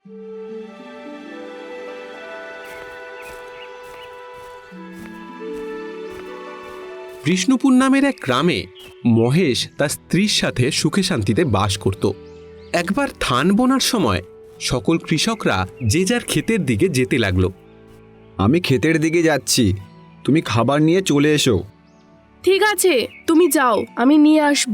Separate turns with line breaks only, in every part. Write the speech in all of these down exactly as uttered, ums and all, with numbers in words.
বিষ্ণুপুর নামের এক গ্রামে মহেশ তার স্ত্রীর সাথে সুখে শান্তিতে বাস করত। একবার ধান বোনার সময় সকল কৃষকরা যে যার ক্ষেতের দিকে যেতে লাগলো।
আমি ক্ষেতের দিকে যাচ্ছি, তুমি খাবার নিয়ে চলে এসো।
ঠিক আছে, তুমি যাও, আমি নিয়ে আসব।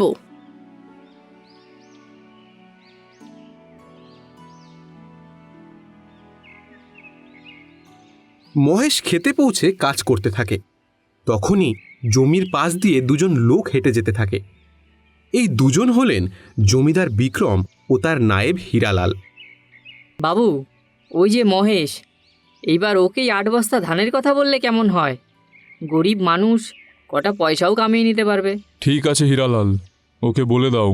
মহেশ খেতে পৌঁছে কাজ করতে থাকে। তখনই জমির পাশ দিয়ে দুজন লোক হেঁটে যেতে থাকে। এই দুজন হলেন জমিদার বিক্রম ও তার নায়েব হীরালাল।
বাবু, ওই যে মহেশ, এইবার ওকেই আট বস্তা ধানের কথা বললে কেমন হয়? গরিব মানুষ, কটা পয়সাও কামিয়ে নিতে পারবে।
ঠিক আছে হীরালাল, ওকে বলে দাও।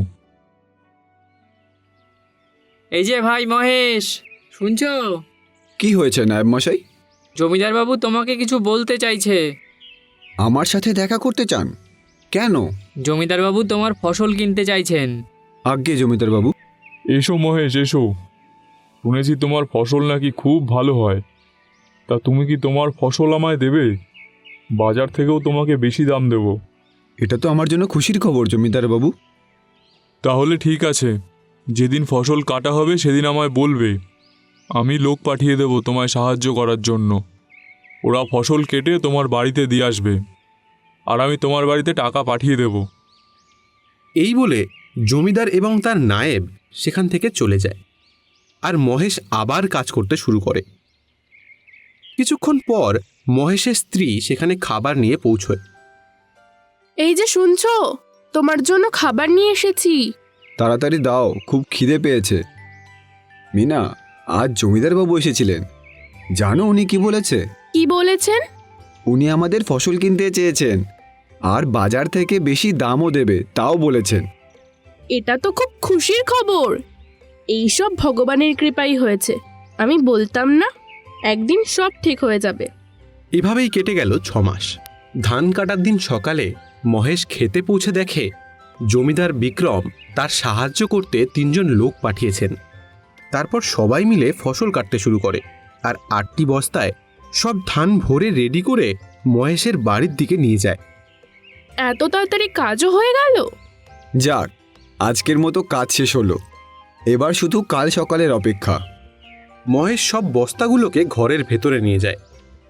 এই যে ভাই মহেশ, শুনছো?
কি হয়েছে নায়েব মশাই?
জমিদার বাবু তোমাকে কিছু বলতে চাইছে।
আমার সাথে দেখা করতে চান? কেন?
জমিদার বাবু তোমার ফসল কিনতে চাইছেন।
আজ্ঞে জমিদার বাবু।
এসো মহেশ, এসো। শুনেছি তোমার ফসল নাকি খুব ভালো হয়। তা তুমি কি তোমার ফসল আমায় দেবে? বাজার থেকেও তোমাকে বেশি দাম দেব।
এটা তো আমার জন্য খুশির খবর জমিদার বাবু।
তাহলে ঠিক আছে, যেদিন ফসল কাটা হবে সেদিন আমায় বলবে। আমি লোক পাঠিয়ে দেব তোমায় সাহায্য করার জন্য। ওরা ফসল কেটে তোমার বাড়িতে দিয়ে আসবে, আর আমি তোমার বাড়িতে টাকা পাঠিয়ে দেব।
এই বলে জমিদার এবং তার নায়েব সেখান থেকে চলে যায়, আর মহেশ আবার কাজ করতে শুরু করে। কিছুক্ষণ পর মহেশের স্ত্রী সেখানে খাবার নিয়ে পৌঁছয়।
এই যে শুনছো, তোমার জন্য খাবার নিয়ে এসেছি।
তাড়াতাড়ি দাও, খুব খিদে পেয়েছে। মিনা, আজ জমিদার বাবু এসেছিলেন। জানো উনি কি বলেছে?
কি বলেছেন?
উনি আমাদের ফসল কিনতে চেয়েছেন, আর বাজার থেকে বেশি দামও দেবে, তাও বলেছেন।
এটা তো খুব খুশির খবর। এইসব ভগবানের কৃপাই হয়েছে। আমি বলতাম না, একদিন সব ঠিক হয়ে যাবে।
এভাবেই কেটে গেল ছ মাস। ধান কাটার দিন সকালে মহেশ খেতে পৌঁছে দেখে জমিদার বিক্রম তার সাহায্য করতে তিনজন লোক পাঠিয়েছেন। তারপর সবাই মিলে ফসল কাটতে শুরু করে, আর আটটি বস্তায় সব ধান ভরে রেডি করে মহেশের বাড়ির দিকে নিয়ে যায়।
এত তাড়াতাড়ি কাজও হয়ে গেল?
যাক, আজকের মতো কাজ শেষ হলো। এবার শুধু কাল সকালের অপেক্ষা।
মহেশ সব বস্তাগুলোকে ঘরের ভেতরে নিয়ে যায়।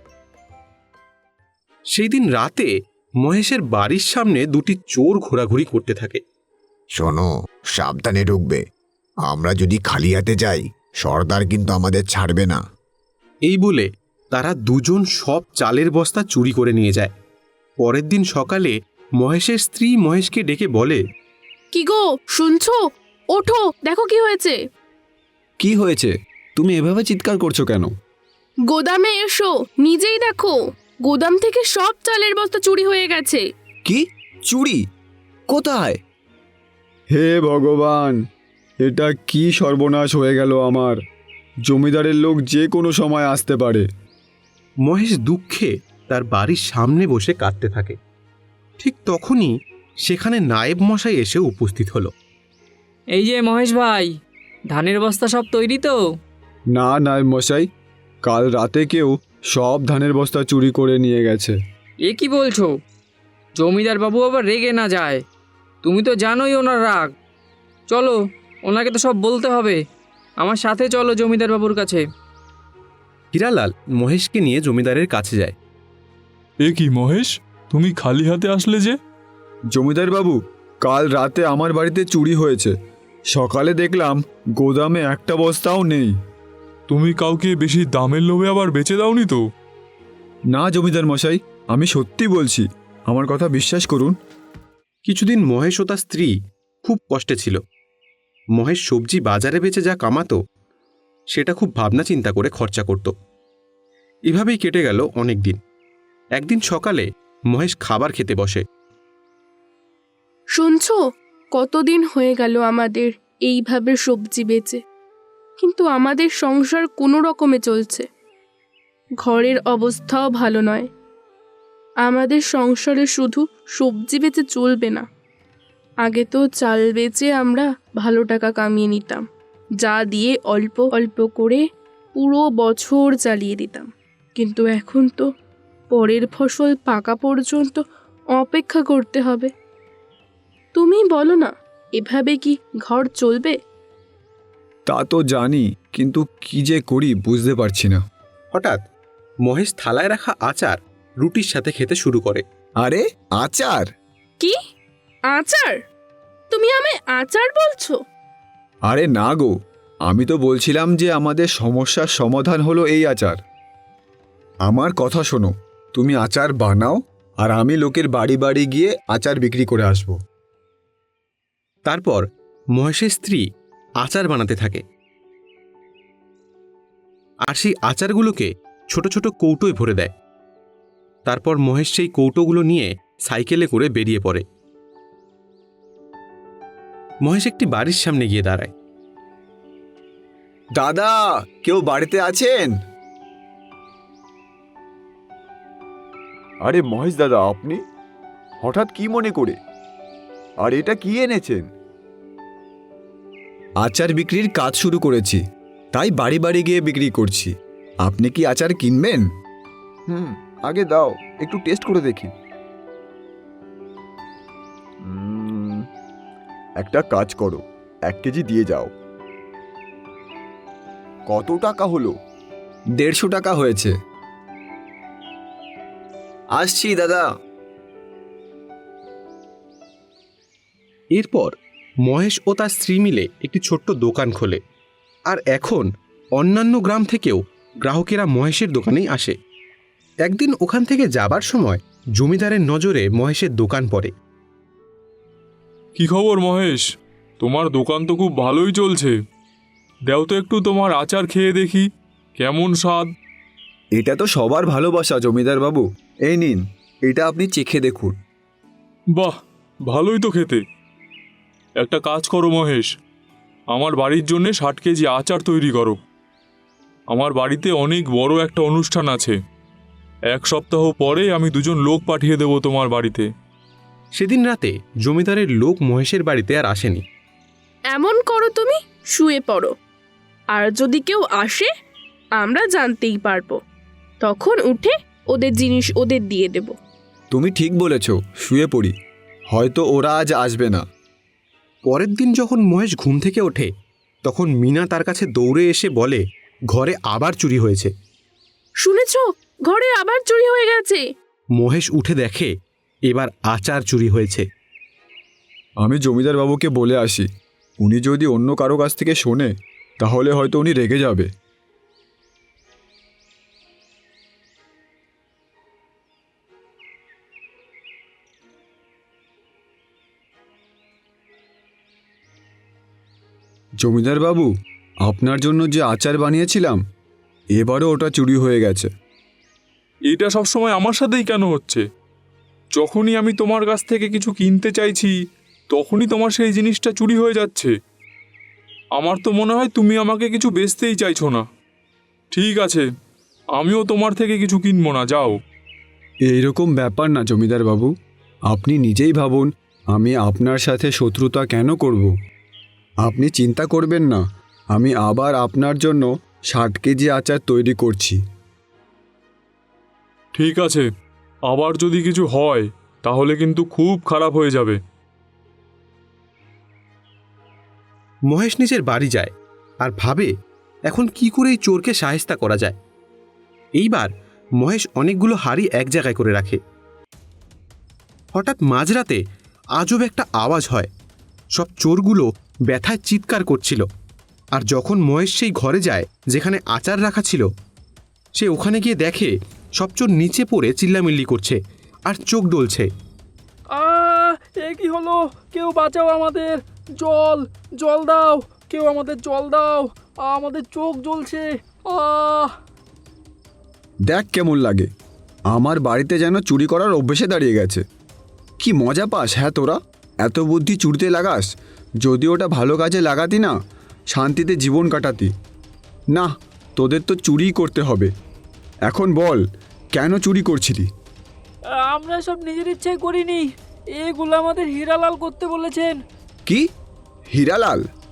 সেই দিন রাতে মহেশের বাড়ির সামনে দুটি চোর ঘোরাঘুরি করতে থাকে।
শোনো, সাবধানে ঢুকবে। আমরা যদি খালি হাতে যাই, সর্দার কিন্তু আমাদের ছাড়বে না।
এই বলে তারা দুজন সব চালের বস্তা চুরি করে নিয়ে যায়। পরের দিন সকালে মহেশের স্ত্রী মহেশকে ডেকে বলে,
কি গো, শুনছো? ওঠো, দেখো কি হয়েছে।
কি হয়েছে? তুমি এভাবে চিৎকার করছো কেন?
গোদামে এসো, নিজেই দেখো। গোদাম থেকে সব চালের বস্তা চুরি হয়ে গেছে।
কি? চুরি? কোথায়? হে ভগবান, এটা কি সর্বনাশ হয়ে গেল আমার! জমিদারের লোক যে কোনো সময় আসতে পারে।
মহেশ দুঃখে তার বাড়ির সামনে বসে কাঁদতে থাকে। ঠিক তখনই সেখানে নায়েব মশাই এসে উপস্থিত হলো।
এই যে মহেশ ভাই, ধানের বস্তা সব তৈরি তো?
না নায়েব মশাই, কাল রাতে কেউ সব ধানের বস্তা চুরি করে নিয়ে গেছে।
এ কি বলছো? জমিদার বাবু আবার রেগে না যায়? তুমি তো জানোই ওনার রাগ। চলো, ওনাকে তো সব বলতে হবে। আমার সাথে চলো জমিদার বাবুর কাছে।
হীরালাল মহেশকে নিয়ে জমিদারের কাছে যায়।
এ কি মহেশ, তুমি খালি হাতে আসলে যে?
জমিদার বাবু, কাল রাতে আমার বাড়িতে চুরি হয়েছে। সকালে দেখলাম গোদামে একটা বস্তাও নেই।
তুমি কাউকে বেশি দামের লোভে আবার বেচে দাওনি তো?
না জমিদার মশাই, আমি সত্যি বলছি, আমার কথা বিশ্বাস করুন।
কিছুদিন মহেশ ও তার স্ত্রী খুব কষ্টে ছিল। মহেশ সবজি বাজারে বেচে যা কামাতো সেটা খুব ভাবনা চিন্তা করে খরচা করত। এভাবেই কেটে গেল অনেক দিন। একদিন সকালে মহেশ খাবার খেতে বসে।
শুনছো, কতদিন হয়ে গেল আমাদের এইভাবে সবজি বেচে, কিন্তু আমাদের সংসার কোনো রকমে চলছে। ঘরের অবস্থাও ভালো নয়। আমাদের সংসারে শুধু সবজি বেচে চলবে না। আগে তো চাল বেচে আমরা ভালো টাকা কামিয়ে নিতাম। যা দিয়ে অল্প অল্প করে পুরো বছর চালিয়ে দিতাম। কিন্তু এখন তো পরের ফসল পাকা পর্যন্ত অপেক্ষা করতে হবে। তুমি বলো না, এভাবে কি ঘর চলবে?
তা তো জানি, কিন্তু কি যে করি বুঝতে পারছি না।
হঠাৎ মহেশ থালায় রাখা আচার রুটির সাথে খেতে শুরু করে।
আরে আচার!
কি আচার? তুমি আমায় আচার বলছো?
আরে না গো, আমি তো বলছিলাম যে আমাদের সমস্যার সমাধান হলো এই আচার। আমার কথা শোনো, তুমি আচার বানাও আর আমি লোকের বাড়ি বাড়ি গিয়ে আচার বিক্রি করে আসব।
তারপর মহেশের স্ত্রী আচার বানাতে থাকে, আর সেই আচারগুলোকে ছোট ছোট কৌটোয় ভরে দেয়। তারপর মহেশ সেই কৌটোগুলো নিয়ে সাইকেলে করে বেরিয়ে পড়ে। মহেশ একটি বাড়ির সামনে গিয়ে দাঁড়ায়।
দাদা, কেউ বাড়িতে আছেন?
আরে মহেশ দাদা, আপনি হঠাৎ কি মনে করে? আর এটা কি এনেছেন?
আচার বিক্রির কাজ শুরু করেছি, তাই বাড়ি বাড়ি গিয়ে বিক্রি করছি। আপনি কি আচার কিনবেন?
হুম, আগে দাও, একটু টেস্ট করে দেখি। উম, একটা কাজ করো, এক কেজি দিয়ে যাও। কত টাকা হলো?
দেড়শো টাকা হয়েছে। আসছি দাদা।
এরপর মহেশ ও তার স্ত্রী মিলে একটি ছোট্ট দোকান খোলে, আর এখন অন্যান্য গ্রাম থেকেও গ্রাহকেরা মহেশের দোকানেই আসে। একদিন ওখান থেকে যাবার সময় জমিদারের নজরে মহেশের দোকান পড়ে।
কি খবর মহেশ? তোমার দোকান তো খুব ভালোই চলছে। দাও তো একটু তোমার আচার খেয়ে দেখি কেমন স্বাদ।
এটা তো সবার ভালোবাসা জমিদার বাবু, এই নিন, এটা আপনি চেখে দেখুন।
বাহ, ভালোই তো খেতে। একটা কাজ করো মহেশ, আমার বাড়ির জন্যে ষাট কেজি আচার তৈরি করো। আমার বাড়িতে অনেক বড় একটা অনুষ্ঠান আছে। এক সপ্তাহ পরে আমি দুজন লোক পাঠিয়ে দেবো তোমার বাড়িতে।
সেদিন রাতে জমিদারের লোক মহেশের বাড়িতে আর আসেনি।
এমন করো, তুমি শুয়ে পড়ো, আর যদি কেউ আসে আমরা জানতেই পারবো, তখন উঠে ওদের জিনিস ওদের দিয়ে দেব।
তুমি ঠিক বলেছ, শুয়ে পড়ি, হয়তো ওরা আজ আসবে না।
পরের দিন যখন মহেশ ঘুম থেকে ওঠে, তখন মিনা তার কাছে দৌড়ে এসে বলে ঘরে আবার চুরি হয়েছে।
শুনেছ, ঘরে আবার চুরি হয়ে গেছে।
মহেশ উঠে দেখে এবার আচার চুরি হয়েছে।
আমি জমিদার বাবুকে বলে আসি, উনি যদি অন্য কারো কাছ থেকে শোনে তাহলে হয়তো উনি রেগে যাবে। জমিদার বাবু, আপনার জন্য যে আচার বানিয়েছিলাম, এবারও ওটা চুরি হয়ে গেছে।
এটা সবসময় আমার সাথেই কেন হচ্ছে? যখনই আমি তোমার কাছ থেকে কিছু কিনতে চাইছি তখনই তোমার সেই জিনিসটা চুরি হয়ে যাচ্ছে। আমার তো মনে হয় তুমি আমাকে কিছু বেচতেই চাইছো না। ঠিক আছে, আমিও তোমার থেকে কিছু কিনবো না, যাও।
এইরকম ব্যাপার না জমিদার বাবু, আপনি নিজেই ভাবুন, আমি আপনার সাথে শত্রুতা কেন করব? আপনি চিন্তা করবেন না, আমি আবার আপনার জন্য ষাট কেজি আচার তৈরি করছি।
ঠিক আছে, আবার যদি কিছু হয় তাহলে কিন্তু খুব খারাপ হয়ে যাবে।
মহেশ নিজের বাড়ি যায় আর ভাবে এখন কি করে এই চোরকে সাহেস্তা করা যায়। এইবার মহেশ অনেকগুলো হাড়ি এক জায়গায় করে রাখে। হঠাৎ মাঝরাতে আজব একটা আওয়াজ হয়। সব চোরগুলো ব্যথায় চিৎকার করছিল, আর যখন মহেশ সেই ঘরে যায় যেখানে আচার রাখা ছিল, সে ওখানে গিয়ে দেখে সব চোর নিচে পড়ে চিল্লামিল্লি করছে আর চোখ ডলছে।
আহ এ কি হলো? কেউ বাঁচাও আমাদের! জল জল দাও, কেউ আমাদের জল দাও, আমাদের চোখ জ্বলছে। আহ
দেখ কেমন লাগে, আমার বাড়িতে যেন চুরি করার অভ্যেসে দাঁড়িয়ে গেছে। কি মজা পাস হ্যাঁ তোরা? এত বুদ্ধি চুরিতে লাগাস? যদি ওটা ভালো কাজে লাগাতি না, শান্তিতে জীবন কাটাতি। না, তোদের তো চুরিই করতে হবে। এখন বল, কেন চুরি করছিলি?
আমরা সব নিজের ইচ্ছায় করিনি, এগুলো আমাদের হীরালাল করতে বলেছেন।
কি? হীরালাল?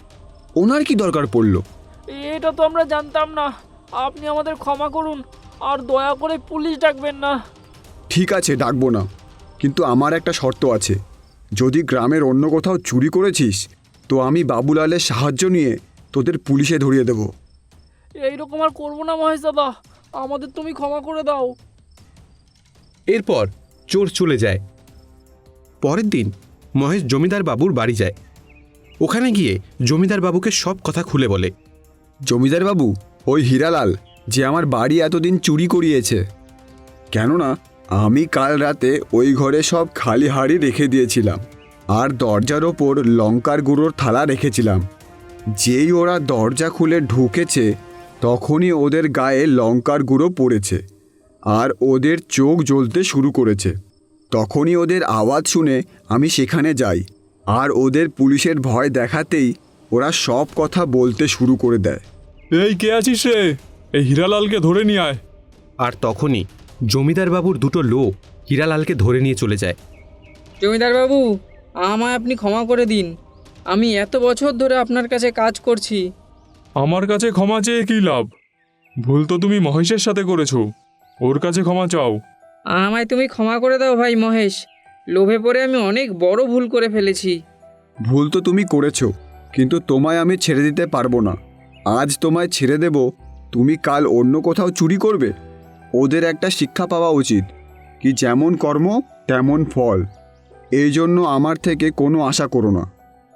ওনার কি দরকার পড়লো?
এটা তো আমরা জানতাম না। আপনি আমাদের ক্ষমা করুন, আর দয়া করে পুলিশ ডাকবেন না।
ঠিক আছে, ডাকবো না, কিন্তু আমার একটা শর্ত আছে। যদি গ্রামের অন্য কোথাও চুরি করেছিস তো আমি বাবুলালের সাহায্য নিয়ে তোদের পুলিশে ধরিয়ে দেব।
এইরকম আর করবো না মহেশ দাদা, আমাদের তুমি ক্ষমা করে দাও।
এরপর চোর চলে যায়। পরের দিন মহেশ জমিদার বাবুর বাড়ি যায়। ওখানে গিয়ে জমিদার বাবুকে সব কথা খুলে বলে।
জমিদার বাবু, ওই হীরালাল যে আমার বাড়ি এতদিন চুরি করিয়েছে, কেননা আমি কাল রাতে ওই ঘরে সব খালি হাঁড়ি রেখে দিয়েছিলাম আর দরজার ওপর লঙ্কার গুঁড়োর থালা রেখেছিলাম। যেই ওরা দরজা খুলে ঢুকেছে তখনই ওদের গায়ে লঙ্কার গুঁড়ো পড়েছে আর ওদের চোখ জ্বলতে শুরু করেছে। তখনই ওদের আওয়াজ শুনে আমি সেখানে যাই, আর ওদের পুলিশের ভয় দেখাতেই ওরা সব কথা বলতে শুরু করে দেয়।
এই কে আছিস রে? এই হীরালালকে ধরে নিয়ে আয়।
আর তখনই জমিদার বাবুর দুটো লোক হীরালালকে ধরে নিয়ে চলে যায়।
জমিদার বাবু, আমায় আপনি ক্ষমা করে দিন। আমি এত বছর ধরে আপনার কাছে কাজ করছি।
আমার কাছে ক্ষমা চেয়ে কী লাভ? ভুল তো তুমি মহেশের সাথে করেছো, ওর কাছে ক্ষমা চাও।
আমায় তুমি ক্ষমা করে দাও ভাই মহেশ। লোভে পড়ে আমি অনেক বড় ভুল করে ফেলেছি।
ভুল তো তুমি করেছো, কিন্তু তোমায় আমি ছেড়ে দিতে পারবো না। আজ তোমায় ছেড়ে দেব, তুমি কাল অন্য কোথাও চুরি করবে। ওদের একটা শিক্ষা পাওয়া উচিত, কি যেমন কর্ম তেমন ফল। এই জন্য আমার থেকে কোনো আশা করো না।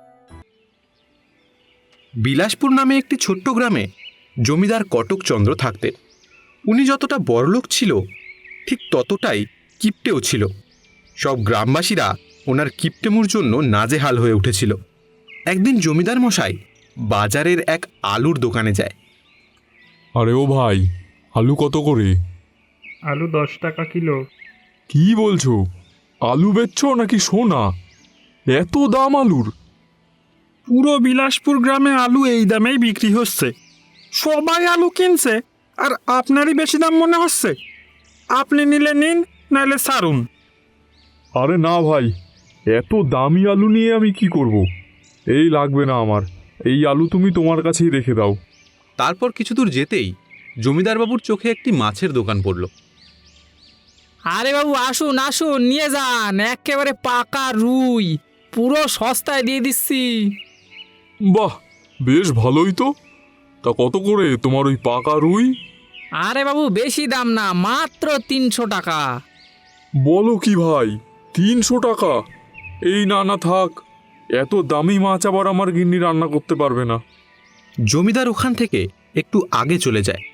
বিলাসপুর নামে একটি ছোট্ট গ্রামে জমিদার কটকচন্দ্র থাকতেন। উনি যতটা বড়লোক ছিল ঠিক ততটাই কিপ্টেও ছিল। সব গ্রামবাসীরা ওনার কিপ্টেমুর জন্য নাজেহাল হয়ে উঠেছিল। একদিন জমিদার মশাই বাজারের এক আলুর দোকানে যায়।
আরে ও ভাই, আলু কত করে?
আলু দশ টাকা কিলো।
কি বলছো? আলু বেচছো নাকি সোনা? এত দাম আলুর?
পুরো বিলাসপুর গ্রামে আলু এই দামেই বিক্রি হচ্ছে। সবাই আলু কিনছে, আর আপনারই বেশি দাম মনে হচ্ছে। আপনি নিলে নিন, নাহলে সারুন।
আরে না ভাই, এত দামি আলু নিয়ে আমি কি করব? এই লাগবে না আমার, এই আলু তুমি তোমার কাছেই রেখে দাও।
তারপর কিছু দূর যেতেই জমিদার বাবুর চোখে একটি মাছের দোকান পড়ল।
আরে বাবু, আসুন আসুন, নিয়ে যান। একেবারে পাকা রুই, পুরো সস্তায় দিয়ে দিচ্ছি।
বাহ, বেশ ভালোই তো। তা কত করে তোমার ওই পাকা রুই?
আরে বাবু, বেশি দাম না, মাত্র তিনশো টাকা।
বলো কি ভাই, তিনশো টাকা? এই না না থাক, এত দামি মাছ আবার আমার গিন্নি রান্না করতে পারবে না।
জমিদার ওখান থেকে একটু আগে চলে যায়।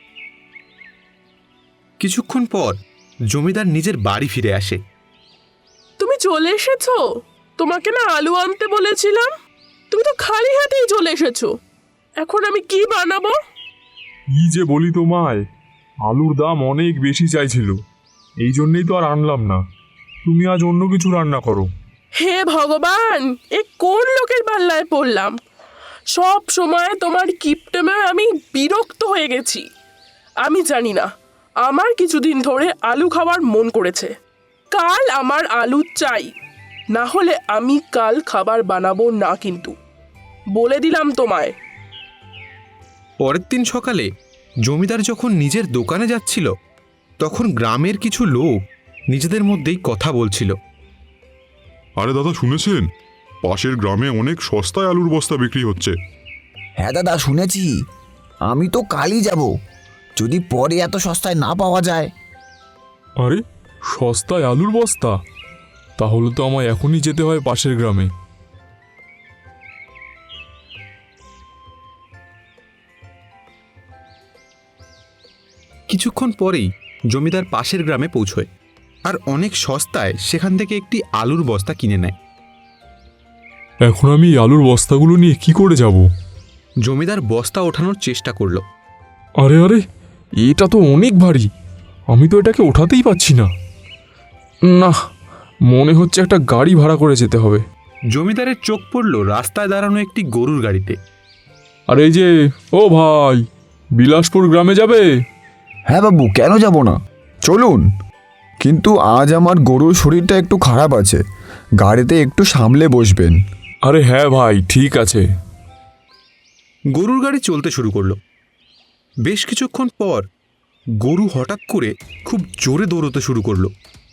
কিছুক্ষণ পর জমিদার নিজের বাড়ি ফিরে আসে।
তুমি চলে এসেছো? তোমাকে না আলু আনতে বলেছিলাম, তুমি তো খালি হাতেই চলে এসেছো। এখন আমি কি বানাবো?
কি যে বলি তোমায়, আলুর দাম অনেক বেশি চাইছিল, এই জন্যেই তো আর আনলাম না। তুমি আজ অন্য কিছু রান্না করো।
হে ভগবান, এ কোন লোকের পাল্লায় পড়লাম! সব সময় তোমার কিপটেমে আমি বিরক্ত হয়ে গেছি। আমি জানি না, আমার কিছুদিন ধরে আলু খাওয়ার মন করেছে। কাল আমার আলু চাই, না হলে আমি কাল খাবার বানাবো না, কিন্তু বলে দিলাম তোমায়।
পরের দিন সকালে জমিদার যখন নিজের দোকানে যাচ্ছিল তখন গ্রামের কিছু লোক নিজেদের মধ্যেই কথা বলছিল।
আরে দাদা, শুনেছেন পাশের গ্রামে অনেক সস্তায় আলুর বস্তা বিক্রি হচ্ছে?
হ্যাঁ দাদা, শুনেছি। আমি তো কালই যাব, যদি পরে এত সস্তায় না পাওয়া যায়।
আরে সস্তায় আলুর বস্তা? তাহলে তো আমায় এখনই যেতে হয় পাশের গ্রামে।
কিছুক্ষণ পরেই জমিদার পাশের গ্রামে পৌঁছয় আর অনেক সস্তায় সেখান থেকে একটি আলুর বস্তা কিনে নেয়।
এখন আমি এই আলুর বস্তাগুলো নিয়ে কি করে যাব?
জমিদার বস্তা ওঠানোর চেষ্টা করলো।
আরে আরে, এটা তো অনেক ভারী, আমি তো এটাকে ওঠাতেই পাচ্ছি না। না, মনে হচ্ছে একটা গাড়ি ভাড়া করে যেতে হবে।
জমিদারের চোখ পড়ল রাস্তায় দাঁড়ানো একটি গরুর গাড়িতে।
আর এই যে, ও ভাই, বিলাসপুর গ্রামে যাবে?
হ্যাঁ বাবু, কেন যাব না, চলুন। কিন্তু আজ আমার গরুর শরীরটা একটু খারাপ আছে, গাড়িতে একটু সামলে বসবেন।
আরে হ্যাঁ ভাই, ঠিক আছে।
গরুর গাড়ি চলতে শুরু করলো। বেশ কিছুক্ষণ পর গরু হঠাৎ করে খুব জোরে দৌড়তে শুরু করলো।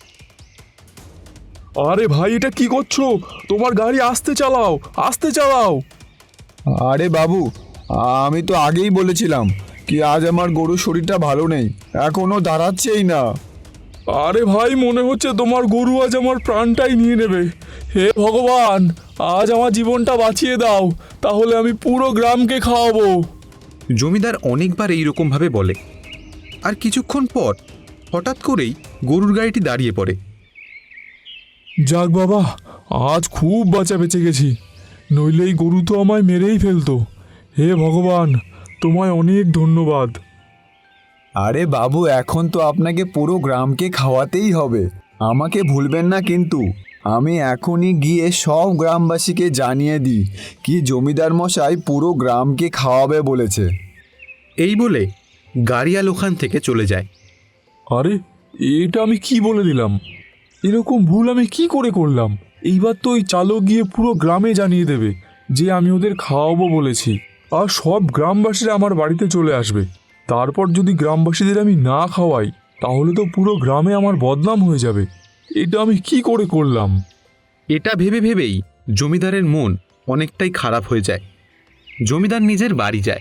আরে ভাই, এটা কি করছো? তোমার গাড়ি আস্তে চালাও, আস্তে চালাও।
আরে বাবু, আমি তো আগেই বলেছিলাম কি আজ আমার গরুর শরীরটা ভালো নেই, এখনো দাঁড়াচ্ছেই না।
আরে ভাই, মনে হচ্ছে তোমার গরু আজ আমার প্রাণটাই নিয়ে নেবে। হে ভগবান, আজ আমার জীবনটা বাঁচিয়ে দাও, তাহলে আমি পুরো গ্রামকে খাওয়াবো।
জমিদার অনেকবার এইরকমভাবে বলে। আর কিছুক্ষণ পর হঠাৎ করেই গরুর গাড়িটি দাঁড়িয়ে পড়ে।
যাক বাবা, আজ খুব বাঁচা বেঁচে গেছি, নইলে এই গরু তো আমায় মেরেই ফেলতো। হে ভগবান, তোমায় অনেক ধন্যবাদ।
আরে বাবু, এখন তো আপনাকে পুরো গ্রামকে খাওয়াতেই হবে, আমাকে ভুলবেন না কিন্তু। আমি এখনই গিয়ে সব গ্রামবাসীকে জানিয়ে দিই কি জমিদার মশাই পুরো গ্রামকে খাওয়াবে বলেছে।
এই বলে গাড়িয়াল ওখান থেকে চলে যায়।
আরে, এটা আমি কি বলে দিলাম? এরকম ভুল আমি কি করে করলাম? এইবার তো ওই চালক গিয়ে পুরো গ্রামে জানিয়ে দেবে যে আমি ওদের খাওয়াবো বলেছি, আর সব গ্রামবাসীরা আমার বাড়িতে চলে আসবে। তারপর যদি গ্রামবাসীদের আমি না খাওয়াই, তাহলে তো পুরো গ্রামে আমার বদনাম হয়ে যাবে। এটা আমি কি করে করলাম?
এটা ভেবে ভেবেই জমিদারের মন অনেকটাই খারাপ হয়ে যায়। জমিদার নিজের বাড়ি যায়।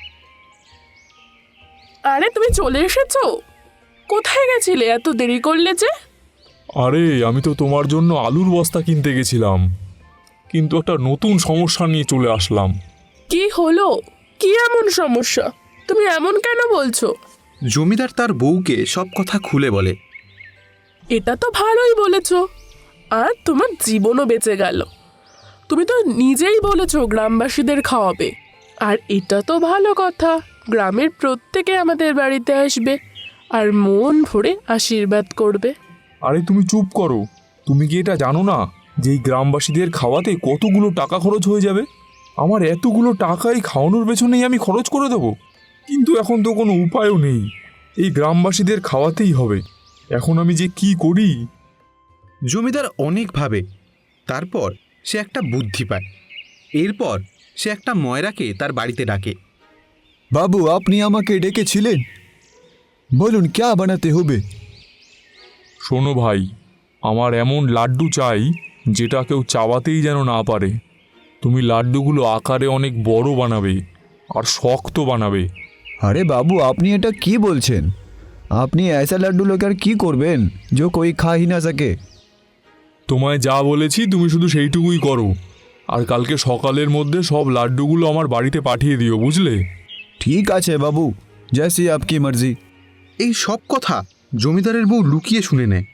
আরে তুমি চলে এসেছো? কোথায় গেছিলে? এত দেরি করলে যে?
আরে, আমি তো তোমার জন্য আলুর বস্তা কিনতে গেছিলাম, কিন্তু একটা নতুন সমস্যা নিয়ে চলে আসলাম।
কি হলো? কি এমন সমস্যা? তুমি এমন কেন বলছো?
জমিদার তার বউকে সব কথা খুলে বলে।
এটা তো ভালোই বলেছো, আর তোমার জীবনও বেঁচে গেল। তুমি তো নিজেই বলেছো গ্রামবাসীদের খাওয়াবে, আর এটা তো ভালো কথা। গ্রামের প্রত্যেকে আমাদের বাড়িতে আসবে আর মন ভরে আশীর্বাদ করবে।
আরে তুমি চুপ করো। তুমি কি এটা জানো না যে এই গ্রামবাসীদের খাওয়াতে কতগুলো টাকা খরচ হয়ে যাবে? আমার এতগুলো টাকাই খাওয়ানোর পেছনেই আমি খরচ করে দেবো, কিন্তু এখন তো কোনো উপায়ও নেই। এই গ্রামবাসীদের খাওয়াতেই হবে। এখন আমি যে কি করি?
জমিদার অনেক ভাবে, তারপর সে একটা বুদ্ধি পায়। এরপর সে একটা ময়রাকে তার বাড়িতে ডাকে।
বাবু, আপনি আমাকে ডেকেছিলেন, বলুন ক্যা বানাতে হবে।
শোনো ভাই, আমার এমন লাড্ডু চাই যেটা কেউ চাবাতেই যেন না পারে। তুমি লাড্ডুগুলো আকারে অনেক বড় বানাবে আর শক্ত বানাবে।
আরে বাবু, আপনি এটা কি বলছেন? আপনি ऐसा লাড্ডু লোকের কি করবেন যে কোই খা হি না সকে?
তোমায় যা বলেছি তুমি শুধু সেইটুকুই করো, আর কালকে সকালের মধ্যে সব লাড্ডুগুলো আমার বাড়িতে পাঠিয়ে দিও, বুঝলে?
ঠিক আছে বাবু, জैसी आपकी मर्जी।
এই সব কথা জমিদারের বউ লুকিয়ে শুনে নেয়।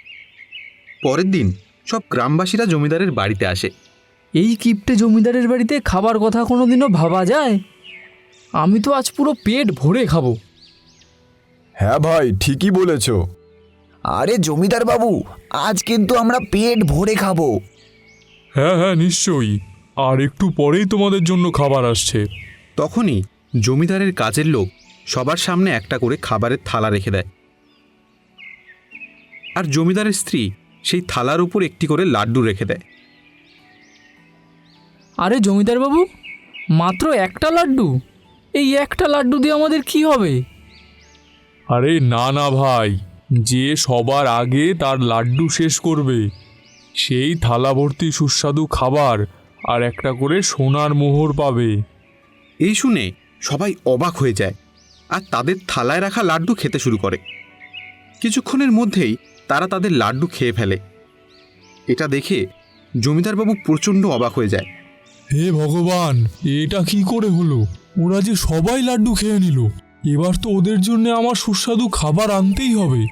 পরের দিন সব গ্রামবাসীরা জমিদারের বাড়িতে আসে।
এই কিপটে জমিদারের বাড়িতে খাবার কথা কোনোদিনও ভাবা যায়? আমি তো আজ পুরো পেট ভরে খাবো।
হ্যাঁ ভাই, ঠিকই বলেছো।
আরে জমিদার বাবু, আজ কিন্তু আমরা পেট ভরে খাবো।
হ্যাঁ হ্যাঁ, নিশ্চয়ই। আর একটু পরেই তোমাদের জন্য খাবার আসছে।
তখনই জমিদারের কাজের লোক সবার সামনে একটা করে খাবারের থালা রেখে দেয়, আর জমিদারের স্ত্রী সেই থালার উপর একটি করে লাড্ডু রেখে দেয়।
আরে জমিদার বাবু, মাত্র একটা লাড্ডু? এই একটা লাড্ডু দিয়ে আমাদের কি হবে?
আরে না না ভাই, যে সবার আগে তার লাড্ডু শেষ করবে সেই থালা ভর্তি সুস্বাদু খাবার আর একটা করে সোনার মোহর পাবে।
এই শুনে সবাই অবাক হয়ে যায় আর তাদের থালায় রাখা লাড্ডু খেতে শুরু করে। কিছুক্ষণের মধ্যেই তারা তাদের লাড্ডু খেয়ে ফেলে। এটা দেখে জমিদারবাবু প্রচণ্ড অবাক হয়ে যায়।
হে ভগবান, এটা কি করে হলো? ওরা যে সবাই লাড্ডু খেয়ে নিল। এবার তো ওদের জন্য আমার সুস্বাদু খাবার আনতেই হবে।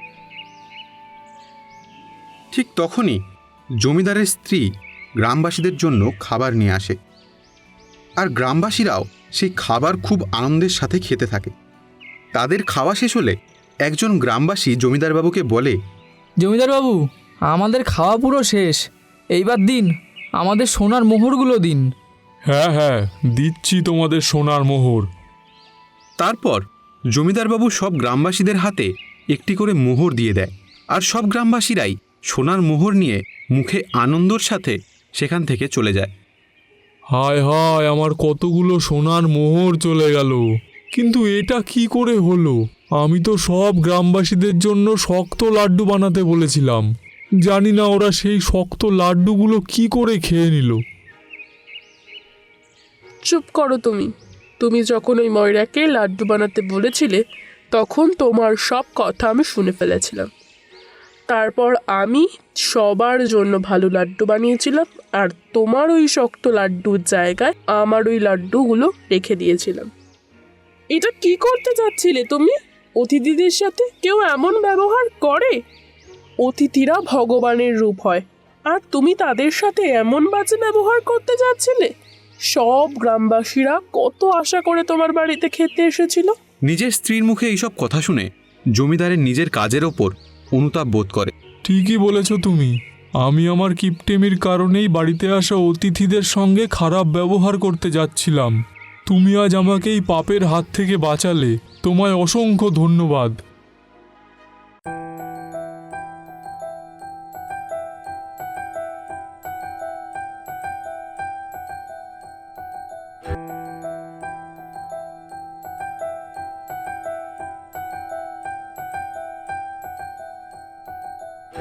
ঠিক তখনই জমিদারের স্ত্রী গ্রামবাসীদের জন্য খাবার নিয়ে আসে, আর গ্রামবাসীরাও সেই খাবার খুব আনন্দের সাথে খেতে থাকে। তাদের খাওয়া শেষ হলে একজন গ্রামবাসী জমিদারবাবুকে বলে,
জমিদার বাবু, আমাদের খাওয়া পুরো শেষ, এইবার দিন আমাদের সোনার মোহরগুলো দিন।
হ্যাঁ হ্যাঁ, দিচ্ছি তোমাদের সোনার মোহর।
তারপর জমিদারবাবু সব গ্রামবাসীদের হাতে একটি করে মোহর দিয়ে দেয়, আর সব গ্রামবাসীরাই সোনার মোহর নিয়ে মুখে আনন্দর সাথে সেখান থেকে চলে যায়।
হায় হায়, আমার কতগুলো সোনার মোহর চলে গেল। কিন্তু এটা কি করে হলো? আমি তো সব গ্রামবাসীদের জন্য শক্ত লাড্ডু বানাতে বলেছিলাম। জানি না ওরা সেই শক্ত লাড্ডুগুলো কি করে খেয়ে নিল।
চুপ করো তুমি। তুমি যখন ওই ময়রাকে লাড্ডু বানাতে বলেছিলে তখন তোমার সব কথা আমি শুনে ফেলেছিলাম। তারপর আমি সবার জন্য ভালো লাড্ডু বানিয়েছিলাম আর তোমার ওই শক্ত লাড্ডুর জায়গায় আমার ওই লাড্ডুগুলো রেখে দিয়েছিলাম। এটা কি করতে যাচ্ছিলে তুমি? অতিথিদের সাথে কেউ এমন ব্যবহার করে? অতিথিরা ভগবানের রূপ হয় আর তুমি তাদের সাথে এমন বাজে ব্যবহার করতে যাচ্ছিলে? সব গ্রামবাসীরা কত আশা করে তোমার বাড়িতে খেতে এসেছিল।
নিজের স্ত্রীর মুখে এইসব কথা শুনে জমিদারের নিজের কাজের ওপর অনুতাপ বোধ করে।
ঠিকই বলেছ তুমি। আমি আমার কিপটেমির কারণেই বাড়িতে আসা অতিথিদের সঙ্গে খারাপ ব্যবহার করতে যাচ্ছিলাম। তুমি আজ আমাকে এই পাপের হাত থেকে বাঁচালে। তোমায় অসংখ্য ধন্যবাদ।